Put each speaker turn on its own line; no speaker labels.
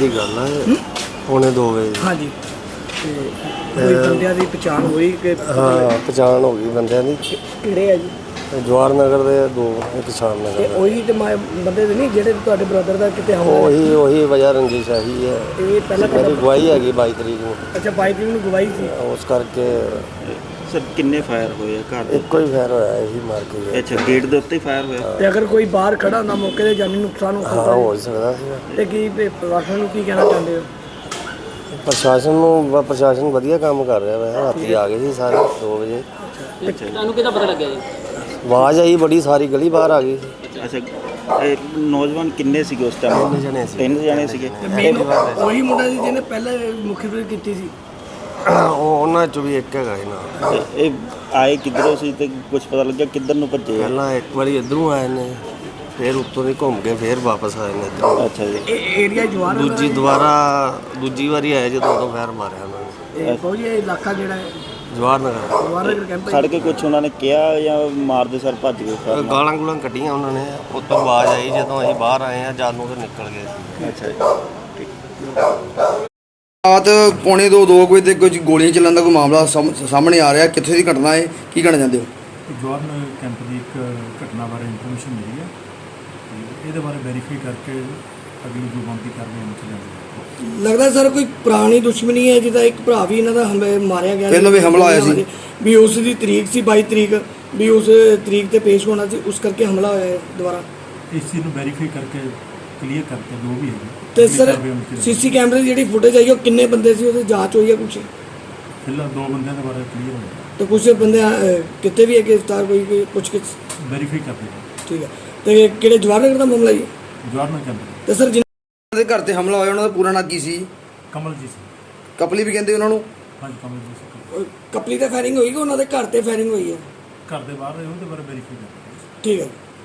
ਦੀ ਗੱਲ ਹੈ, ਪੌਣੇ 2 ਵਜੇ।
ਹਾਂਜੀ, ਤੇ ਕੋਈ ਬੰਦਿਆਂ ਦੀ ਪਛਾਣ ਹੋਈ ਕਿ
ਹਾਂ, ਪਛਾਣ ਹੋ ਗਈ ਬੰਦਿਆਂ ਦੀ।
ਕਿਹੜੇ ਆ ਜੀ?
ਜਵਾਹਰ ਨਗਰ ਦੇ 2, ਇੱਕ ਸ਼ਾਮ
ਤੇ
ਨਗਰ ਦਾ।
ਉਹੀ ਤੇ ਬੰਦੇ ਦੇ ਨਹੀਂ ਜਿਹੜੇ ਤੁਹਾਡੇ ਬ੍ਰਦਰ ਦਾ ਕਿਤੇ ਹਮਲਾ?
ਉਹੀ ਵਜ੍ਹਾ ਰੰਜਿਸ਼ ਆਹੀ ਹੈ।
ਇਹ ਪਹਿਲਾਂ
ਮੇਰੀ ਗਵਾਹੀ ਹੈਗੀ 22 ਤਰੀਕ ਨੂੰ।
ਅੱਛਾ, 22 ਤਰੀਕ ਨੂੰ ਗਵਾਹੀ ਸੀ।
ਉਸ ਕਰਕੇ
ਸਰ ਕਿੰਨੇ ਫਾਇਰ ਹੋਏ ਆ ਘਰ ਦੇ?
ਇੱਕੋ ਹੀ ਫਾਇਰ ਹੋਇਆ, ਇਹੀ ਮਾਰ ਕੇ ਗਿਆ।
ਅੱਛਾ, ਗੇਟ ਦੇ ਉੱਤੇ ਹੀ ਫਾਇਰ ਹੋਇਆ?
ਤੇ ਅਗਰ ਕੋਈ ਬਾਹਰ ਖੜਾ ਹੁੰਦਾ ਮੌਕੇ ਤੇ ਜਾਨੀ ਨੁਕਸਾਨ ਹੋ
ਹਾਂ,
ਸਕਦਾ
ਹੋ ਸਕਦਾ ਸੀ।
ਤੇ ਕੀ ਪ੍ਰਸ਼ਾਸਨ ਨੂੰ ਕੀ ਕਹਿਣਾ ਚਾਹੁੰਦੇ ਹੋ?
ਪ੍ਰਸ਼ਾਸਨ ਵਧੀਆ ਕੰਮ ਕਰ ਰਿਹਾ ਵੈ। ਰਾਤੀ ਆ ਗਏ ਸੀ ਸਾਰੇ 2 ਵਜੇ।
ਤੁਹਾਨੂੰ ਕਿਹਦਾ ਪਤਾ ਲੱਗਿਆ ਜੀ?
ਆਵਾਜ਼ ਆਈ ਬੜੀ, ਸਾਰੀ ਗਲੀ ਬਾਹਰ ਆ ਗਈ ਸੀ।
ਅੱਛਾ, ਇਹ ਨੌਜਵਾਨ ਕਿੰਨੇ ਸੀਗੇ ਉਸ ਟਾਈਮ?
3 ਜਣੇ ਸੀ।
3 ਜਣੇ ਸੀਗੇ।
ਉਹੀ ਮੁੰਡਾ ਸੀ ਜਿਹਨੇ ਪਹਿਲਾਂ ਮੁਖਬਰੀ ਕੀਤੀ ਸੀ?
ਉਹਨਾਂ ਚੋਂ ਵੀ ਇੱਕ ਹੈਗਾ ਸੀ ਨਾ।
ਇਹ ਆਏ ਕਿੱਧਰੋਂ ਸੀ ਤੇ ਕੁਝ ਪਤਾ ਲੱਗਿਆ ਕਿੱਧਰ ਨੂੰ ਭੱਜੇ ਆ?
ਪਹਿਲਾਂ ਇੱਕ ਵਾਰੀ ਇੱਧਰੋਂ ਆਏ ਨੇ, ਫਿਰ ਉੱਤੋਂ ਦੀ ਘੁੰਮ ਕੇ ਫਿਰ ਵਾਪਸ ਆਏ ਨੇ ਇੱਧਰੋਂ।
ਅੱਛਾ ਜੀ।
ਇਹ ਏਰੀਆ ਜਵਾਰ
ਦੂਜੀ ਵਾਰੀ ਆਏ ਜਦੋਂ ਉਦੋਂ ਫੈਰ ਮਾਰਿਆ ਉਹਨਾਂ ਨੇ।
ਕੋਈ ਇਹ ਇਲਾਕਾ ਜਿਹੜਾ ਹੈ
ਜਵਾਹਰ ਨਗਰ
ਜਵਾਰ ਨਗਰ ਕੈਂਪ
ਸੜ ਕੇ ਕੁਝ ਉਹਨਾਂ ਨੇ ਕਿਹਾ ਜਾਂ ਮਾਰਦੇ ਸਰ ਭੱਜ ਗਏ?
ਗਾਲਾਂ ਗੂਲਾਂ ਕੱਢੀਆਂ ਉਹਨਾਂ ਨੇ। ਉੱਤੋਂ ਆਵਾਜ਼ ਆਈ ਜਦੋਂ ਅਸੀਂ ਬਾਹਰ ਆਏ ਆ, ਜਦ ਨੂੰ ਤੇ ਨਿਕਲ ਗਏ ਸੀ।
ਅੱਛਾ ਜੀ।
ਰਾਤ ਪੌਣੇ 2 ਵਜੇ ਤੇ ਕੁਝ ਗੋਲੀਆਂ ਚੱਲਣ ਦਾ ਕੋਈ ਮਾਮਲਾ ਸਾਹਮਣੇ ਆ ਰਿਹਾ। ਕਿੱਥੇ ਦੀ ਘਟਨਾ ਹੈ, ਕੀ ਕਹਿਣਾ ਚਾਹੁੰਦੇ ਹੋ?
ਜਵਾਹਰ ਨਗਰ ਕੈਂਪ ਦੀ ਇੱਕ ਘਟਨਾ ਬਾਰੇ ਇਨਫੋਰਮੇਸ਼ਨ ਮਿਲੀ ਹੈ ਤੇ ਇਹਦੇ ਬਾਰੇ ਵੈਰੀਫਾਈ ਕਰਕੇ ਅਗਲੀ ਜੋ ਬਣਦੀ ਕਾਰਵਾਈ ਅਮਲ 'ਚ ਲਿਆਂਦੀ ਜਾਵੇਗੀ।
ਲੱਗਦਾ ਸਰ ਕੋਈ ਪੁਰਾਣੀ ਦੁਸ਼ਮਣੀ ਹੈ, ਜਿਹਦਾ ਇੱਕ ਭਰਾ ਵੀ ਇਹਨਾਂ ਦਾ ਮਾਰਿਆ ਗਿਆ
ਪਹਿਲਾਂ ਵੀ ਹਮਲਾ ਹੋਇਆ ਸੀ
ਵੀ ਉਸ ਦੀ ਤਰੀਕ ਸੀ 22 ਤਰੀਕ ਵੀ ਉਸ ਤਰੀਕ ਤੇ ਪੇਸ਼ ਹੋਣਾ ਸੀ, ਉਸ ਕਰਕੇ ਹਮਲਾ ਹੋਇਆ ਹੈ ਦੁਬਾਰਾ।
ਇਸ ਚੀਜ਼ ਨੂੰ ਵੈਰੀਫਾਈ ਕਰਕੇ ਕਲੀਅਰ ਕਰਕੇ ਜੋ ਵੀ ਹੈ
ਤੇ ਸਰ ਸੀਸੀ ਕੈਮਰੇ ਦੀ ਜਿਹੜੀ ਫੁਟੇਜ ਆਈ ਉਹ ਕਿੰਨੇ ਬੰਦੇ ਸੀ, ਉਹਦੀ ਜਾਂਚ ਹੋਈ ਹੈ ਕੁਛ?
ਫਿਲਹਾਲ 2 ਬੰਦਿਆਂ ਦੇ ਬਾਰੇ ਕਲੀਅਰ ਹੋਇਆ,
ਤੇ ਕੁਛ ਬੰਦੇ ਕਿਤੇ ਵੀ ਹੈ ਗ੍ਰਿਫਤਾਰ ਕੋਈ ਪੁੱਛ ਕੇ?
ਵੈਰੀਫਾਈ ਕਰਦੇ ਹਾਂ।
ਠੀਕ ਹੈ, ਤੇ ਕਿਹੜੇ ਜਵਾਹਰ ਨਗਰ ਦਾ ਮਾਮਲਾ ਜੀ?
ਜਵਾਹਰ ਨਗਰ ਕੈਂਪ
ਤੇ ਸਰ
ਦੇ ਘਰ ਤੇ ਹਮਲਾ ਹੋਇਆ, ਉਹਨਾਂ ਦਾ ਪੂਰਾ ਨਾਂ ਕੀ ਸੀ?
ਕਮਲਜੀਤ ਸਿੰਘ।
ਕਪਲੀ ਵੀ ਕਹਿੰਦੇ ਉਹਨਾਂ ਨੂੰ?
ਹਾਂਜੀ, ਕਮਲਜੀਤ ਸਿੰਘ।
ਕਪਲੀ ਤੇ ਫਾਇਰਿੰਗ ਹੋਈ ਕਿ ਉਹਨਾਂ ਦੇ ਘਰ ਤੇ ਫਾਇਰਿੰਗ ਹੋਈ ਹੈ?
ਘਰ ਦੇ ਬਾਹਰ ਉਹਦੇ ਬਾਰੇ ਵੈਰੀਫਾਈ ਕਰਦੇ ਹਾਂ।
ਠੀਕ ਹੈ।